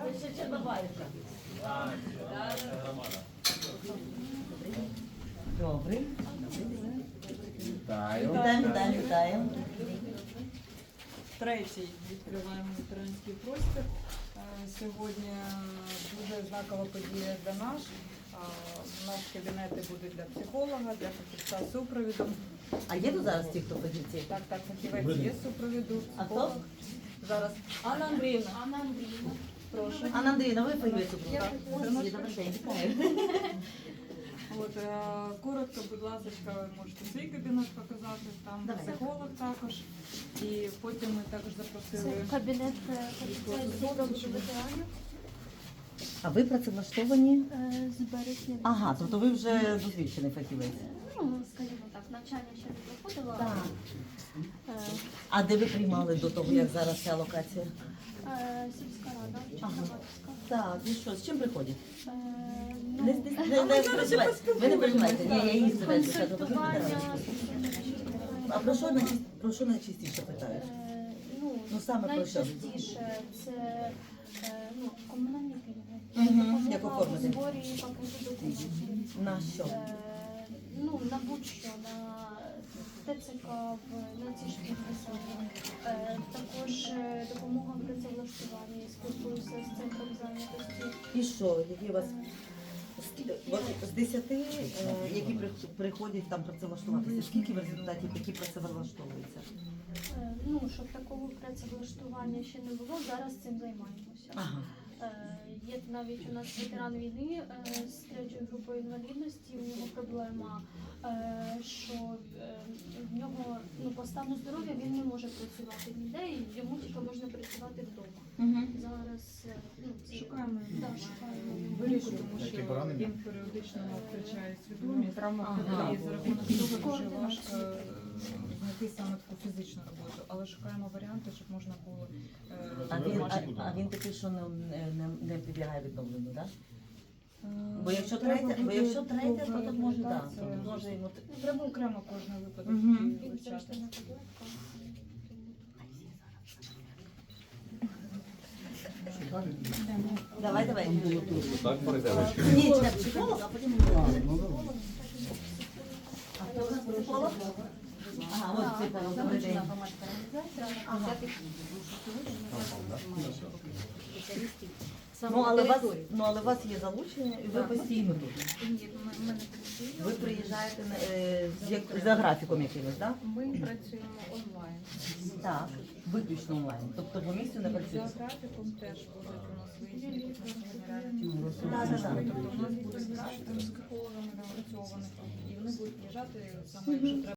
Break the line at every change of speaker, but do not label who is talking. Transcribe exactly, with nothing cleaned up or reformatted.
ще Чорнобаївка. Добрий.
Вітаю.
Вітаємо, вітаємо, вітаємо.
Третій відкриваємо ветеранський простір. Е, Сьогодні дуже знакова подія для нас. Е, Наші кабінети будуть для психолога, для фахівця супровіду.
А є тут зараз ті, хто фахівці?
Так, так, фахівець є супровіду,
А
психолог.
хто?
Зараз Анна Андріївна.
Анна Андріївна.
Прошу.
Анна Андріївна, ви фахівець у
Так, це наш
Добрий день, вітаю.
От, е, коротко, будь ласка, ви можете свій кабінет показати, там
Давай.
психолог також. І потім ми також
Це
запросили.
кабінет фахівця супроводу ветеранів
А ви працевлаштовані?
е, з березня.
Ага, тобто ви вже досвідчений фахівець.
Ну, скажімо так, навчання ще не проходила.
Так.
Е,
А де ви приймали до того, як зараз ця локація?
е, Сільська рада, Чорнобаївська.
Так, і що, з чим приходять?
Е,
Не,
ну,
не, не, не переживайте. Ви не переживайте. Ні, я її себе скажу.
консультування.
А про що найчастіше, про що найчастіше питають?
Е, ну,
Ну, саме про що?
найчастіше це е, ну, комунальні пільги.
Мгм, як
Допомога у
оформити?
зборі пакету документів.
На що?
Е, Ну, на будь-що, на ТЦК, в- на ці ж підписання. Е, Також е, допомога в працевлаштуванні, спілкуюся з центром зайнятості.
І що, які у вас з- от з десяти, е, які при- приходять там працевлаштуватися, скільки в результаті такі працевлаштовуються?
Е, Ну, щоб такого працевлаштування ще не було, зараз цим займаємося.
Ага.
Е, Є навіть у нас ветеран війни е, з третьою групою інвалідності. У нього проблема, е, що е, в нього ну, по стану здоров'я він не може працювати ніде, і йому тільки можна працювати вдома.
Угу.
Зараз е, ну, це-
Шукаємо
Да, шукаємо.
вирішу, тому
Які
що
поранення?
він періодично втрачає свідомість, травма
Ага.
хвилює, за рахунок того дуже важко е, знайти саме таку фізичну роботу, але шукаємо варіанти, щоб можна було е,
А він, а,
домашню-
а він такий, що не, не, не підлягає відновленню, так?
Е,
Бо якщо
треба
третє, бо
буде
якщо третє, то тут може так.
реабілітація.
Тут може йому
Треба окремо кожен випадок
Мгм.
вивчати.
Він завжди на таблетках.
давай, давай.
Так перейдемо.
Ні, це психолог, а потім А хто у нас психолог? Ага, от психолог, добрий день. Ага. Ну, але у вас, ну, але у вас є залучення, і ви постійно тут. Ви приїжджаєте е, з як- за графіком якимось, так?
Ми працюємо онлайн.
Так, виключно онлайн. Тобто по місцю не
За
працюєте?
графіком теж будуть у нас виїзні реальні.
Так, так, так.
Тобто у нас буде з психологами напрацьованих, і вони будуть приїжджати саме, якщо треба.